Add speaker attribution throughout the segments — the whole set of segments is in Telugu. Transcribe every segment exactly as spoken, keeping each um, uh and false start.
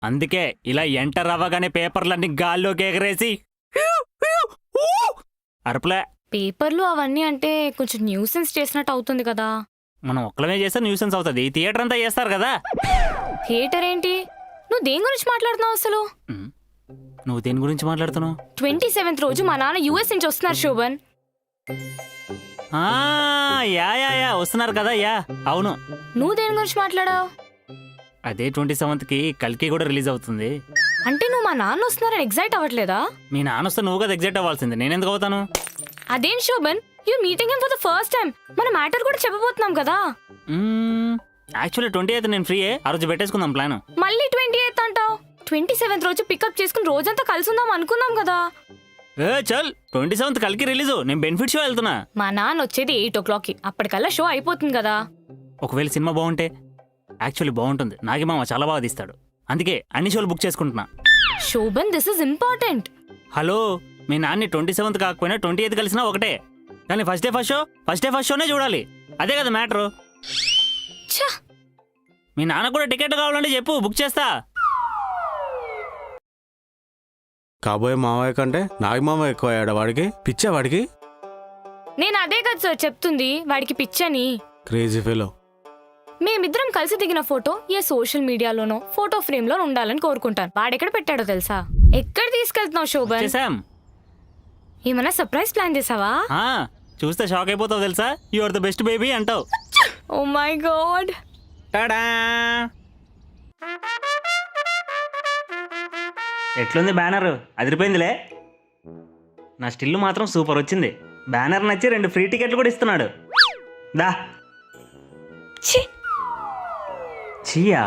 Speaker 1: అందుకే ఇలా ఎంటర్ అవ్వగానే పేపర్లన్నీ గాల్లోకి ఎగరేసి అరుపులే.
Speaker 2: పేపర్లు అవన్నీ అంటే కొంచెం న్యూసెన్స్ చేసినట్టు అవుతుంది కదా.
Speaker 1: మనం ఒక్కలమే చేస్తే న్యూసెన్స్ అవుతుంది, థియేటర్ అంతా చేస్తారు కదా.
Speaker 2: థియేటర్ ఏంటి? నువ్వు దేని గురించి మాట్లాడుతున్నావు అసలు?
Speaker 1: నువ్వు దేని గురించి మాట్లాడుతున్నావు?
Speaker 2: ట్వంటీ సెవెంత్ రోజు మా నాన్న యూఎస్ నుంచి వస్తున్నారు శోభన్.
Speaker 1: యా యా యా వస్తున్నారు కదా. యా అవును.
Speaker 2: నువ్వు దేని గురించి మాట్లాడావు?
Speaker 1: అదే ట్వంటీ సెవెంత్ కి కల్కి కూడా రిలీజ్ అవుతుంది.
Speaker 2: అంటే నువ్వు మా నాన్న వస్తున్నారని ఎగ్జైట్ అవ్వట్లేదా?
Speaker 1: మీ నాన్న వస్తే నువ్వు కదా ఎగ్జైట్ అవ్వాల్సింది, నేనెందుకు అవుతాను?
Speaker 2: అదేం Shobhan, you meeting him for the first time. మన మ్యాటర్ కూడా చెప్పబోతున్నాం కదా.
Speaker 1: యాక్చువల్లీ ట్వంటీ ఎయిత్ నేను ఫ్రీయే, ఆ రోజు పెట్టేసుకుందాం ప్లాన్.
Speaker 2: మళ్ళీ ట్వంటీ ఎయిత్ అంటావు? ట్వంటీ సెవెంత్ రోజు పికప్ చేసుకుని రోజంతా కలిసి ఉందాం అనుకున్నాం కదా.
Speaker 1: ఏ చల్, ట్వంటీ సెవెంత్ కలికి రిలీజ్, నేను బెనిఫిట్ షో వెళ్తున్నా.
Speaker 2: మా నాన్న వచ్చేది ఎయిట్ ఓ క్లాక్ కి, అప్పటికల్లా షో అయిపోతుంది కదా.
Speaker 1: ఒకవేళ సినిమా బాగుంటే? యాక్చువల్లీ బాగుంటుంది, నాగమామ చాలా బాగా తీస్తాడు, అందుకే అన్ని షోలు బుక్ చేసుకుంటున్నా.
Speaker 2: Shobhan this is important.
Speaker 1: Hello, మీ నాన్ని ట్వంటీ సెవెంత్ కాకపోయినా ట్వంటీ ఎయిత్ కలిసినా ఒకటే, కానీ first day first show first day first షోనే చూడాలి, అదే కదా మ్యాటరు. మీ నాన్న కూడా టికెట్ కావాలంటే చెప్పు, బుక్ చేస్తా.
Speaker 3: కాబోయే మావయ్య కంటే నాగమామ ఎక్కువ అయ్యాడు. వాడికి పిచ్చా? వాడికి
Speaker 2: నేను అదే కదా సార్ చెప్తుంది, వాడికి పిచ్చని.
Speaker 3: Crazy fellow.
Speaker 2: మేమిద్దరం కలిసి దిగిన ఫోటో ఏ సోషల్ మీడియాలోనో ఫోటో ఫ్రేమ్ లో ఉండాలని కోరుకుంటాను. వాడెక్కడ పెట్టాడో తెలుసా? ఎక్కడ తీసుకెళ్తున్నావు శోభన్? ఏమన్నా సర్ప్రైజ్ ప్లాన్ చేసావా?
Speaker 1: చూస్తే షాక్ అయిపోతావు తెలుసా. You are the best baby అంటావు.
Speaker 2: Oh my god.
Speaker 1: ఎట్లుంది బ్యానర్? అదిరిపోయిందిలే. నా స్టిల్ మాత్రం సూపర్ వచ్చింది. బ్యానర్ నచ్చి రెండు ఫ్రీ టికెట్లు కూడా ఇస్తున్నాడు. దా చీయా,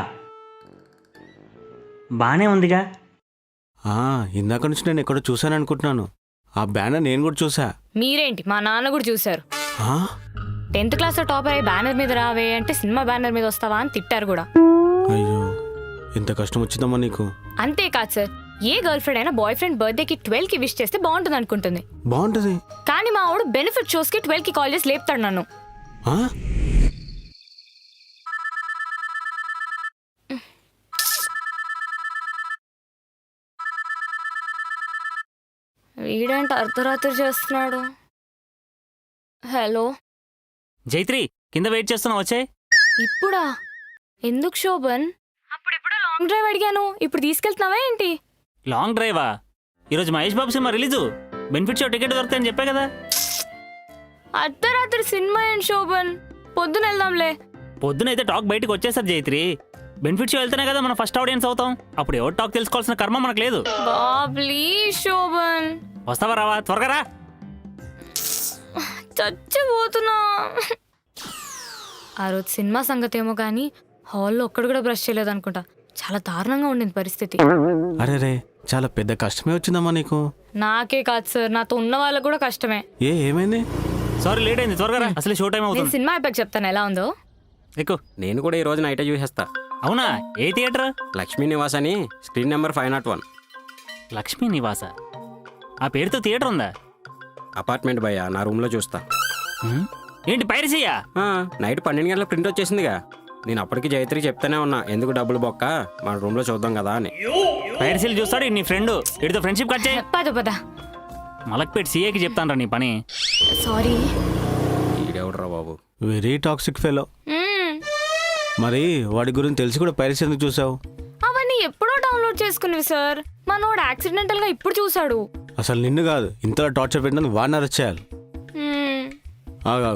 Speaker 1: బానే ఉందిగా.
Speaker 3: ఇందాక నుంచి నేను ఎక్కడో చూసాను అనుకుంటున్నాను. ఆ బ్యానర్ నేను కూడా చూసా.
Speaker 2: మీరేంటి, మా నాన్న కూడా చూశారు.
Speaker 3: ఆ?
Speaker 2: టెన్త్ క్లాస్ లో టాప్ అయ్యి బ్యానర్ మీద రావే అంటే సినిమా బ్యానర్ మీద వస్తావా అని తిట్టారు కూడా.
Speaker 3: అయ్యో, ఎంత కష్టం వచ్చిందమ్మా నీకు.
Speaker 2: అంతేకాదు సార్, ఏ గర్ల్ ఫ్రెండ్ అయినా బాయ్ ఫ్రెండ్ బర్త్డే కి ట్వెల్వ్ కి విష్ చేస్తే బాగుంటుంది అనుకుంటుంది.
Speaker 3: బాగుంటది,
Speaker 2: కానీ మా వాడు బెనిఫిట్ షోస్ కి ట్వెల్వ్ కి కాల్ చేసి లేపుతాడు నన్ను. వీడంటే అర్ధరాత్రి చేస్తున్నాడు. హలో
Speaker 1: జైత్రి, కింద వెయిట్ చేస్తున్నా, వచ్చే.
Speaker 2: ఇప్పుడా? ఎందుకు శోభన్? అప్పుడెప్పుడో లాంగ్ డ్రైవ్ అడిగాను, ఇప్పుడు తీసుకెళ్తున్నావా ఏంటి?
Speaker 1: లాంగ్ డ్రైవా? ఈరోజు మహేష్ బాబు సినిమా రిలీజు, బెనిఫిట్ షో టికెట్ దొరుకుతాయని చెప్పా కదా.
Speaker 2: అర్ధరాత్రి సినిమా ఏంటి శోభన్, పొద్దున వెళ్దాంలే.
Speaker 1: పొద్దునైతే టాక్ బయటకు వచ్చేసారు జైత్రి. బెనిఫిట్ షో వెళ్తేనే కదా మనం ఫస్ట్ ఆడియన్స్ అవుతాం. అప్పుడు ఎవరు టాక్ తెలుసుకోవాల్సిన కర్మ మనకు లేదు.
Speaker 2: ప్లీజ్ శోభన్.
Speaker 1: వస్తావా? రావా, త్వరగా రా.
Speaker 2: చచ్చిపోతున్నా. ఆ రోజు సినిమా సంగతి ఏమో కానీ హాల్లో ఒక్కడు కూడా బ్రష్ చేయలేదు అనుకుంటా. చాలా దారుణంగా ఉండింది పరిస్థితి.
Speaker 3: అరే రే, చాలా పెద్ద కష్టమే వచ్చిందమ్మా నీకు.
Speaker 2: నాకే కాదు సార్, నాతో ఉన్న వాళ్ళకు కూడా కష్టమే.
Speaker 3: ఏ ఏమైంది?
Speaker 1: సారీ లేట్ అయింది, త్వరగా రా, అసలు షో టైం అవుతుంది.
Speaker 2: సినిమా అయిపోయాక చెప్తాను ఎలా ఉందో.
Speaker 1: ఎక్కువ.
Speaker 4: నేను కూడా ఈ రోజు నైటే చూసేస్తా.
Speaker 1: అవునా? ఏ థియేటర్?
Speaker 4: లక్ష్మీ నివాస్ అని, screen number five not one.
Speaker 1: Lakshmi Nivasa? ఆ పేరుతో థియేటర్ ఉందా?
Speaker 4: అపార్ట్మెంట్ భయ్యా, నా రూమ్ లో చూస్తా.
Speaker 1: ఏంటి పైరసీయా?
Speaker 4: నైట్ పన్నెండు గంటల ప్రింట్ వచ్చేసిందిగా. నేను అప్పటికి జైత్రి చెప్తానే ఉన్నా, ఎందుకు డబ్బులు బొక్క, మన రూమ్ లో చూద్దాం కదా అని.
Speaker 1: పైరసీలు చూస్తాడు నీ ఫ్రెండ్, వీడితో ఫ్రెండ్షిప్ కట్ చేయి.
Speaker 2: పద పద.
Speaker 1: మలక్పేట్ సీఏకి చెప్తాను నీ పని.
Speaker 2: సారీ.
Speaker 4: ఈడెవడరా బాబు,
Speaker 3: వెరీ టాక్సిక్ ఫెలో. మరి వాడి గురించి తెలిసి కూడా పైరసీ ఎందుకు చూసావు?
Speaker 2: అవన్నీ ఎప్పుడో డౌన్లోడ్ చేసుకునేవి సార్. మనోడు యాక్సిడెంటల్ గా ఇప్పుడు చూసాడు.
Speaker 3: అసలు నిన్ను కాదు, ఇంతలా టార్చర్ పెట్టినందుకు వాడిని అరెస్ట్ చేయాలి. ఆగా,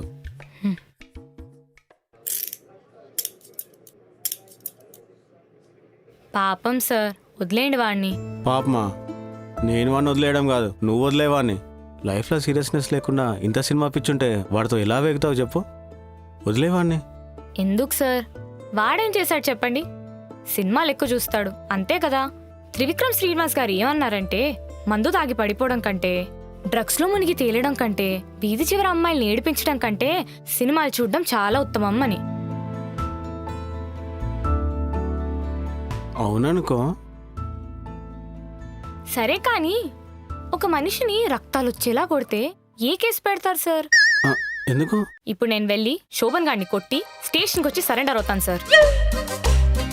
Speaker 2: పాపం సార్, వదిలేయండి వాడిని.
Speaker 3: పాపమా? నేను వాడిని వదిలేయడం కాదు, నువ్వు వదిలేవాడిని. లైఫ్లో సీరియస్నెస్ లేకుండా ఇంత సినిమా పిచ్చుంటే వాడితో ఎలా వేగుతావు చెప్పు? వదిలేవాడిని.
Speaker 2: ఎందుకు సార్? వాడేం చేశాడు చెప్పండి? సినిమాలు ఎక్కువ చూస్తాడు అంతే కదా. త్రివిక్రమ్ శ్రీనివాస్ గారు ఏమన్నారంటే, మందు తాగి పడిపోవడం కంటే, డ్రగ్స్ లో మునిగి తేలడం కంటే, వీధి చివరి అమ్మాయిల్ని ఏడిపించడం కంటే సినిమాలు చూడడం చాలా ఉత్తమం అని.
Speaker 3: అవుననుకో.
Speaker 2: సరే కానీ ఒక మనిషిని రక్తాలు వచ్చేలా కొడితే ఏ కేసు పెడతారు సార్?
Speaker 3: ఎందుకు?
Speaker 2: ఇప్పుడు నేను వెళ్ళి శోభన్ గారిని కొట్టి స్టేషన్కి వచ్చి సరెండర్ అవుతాను సార్.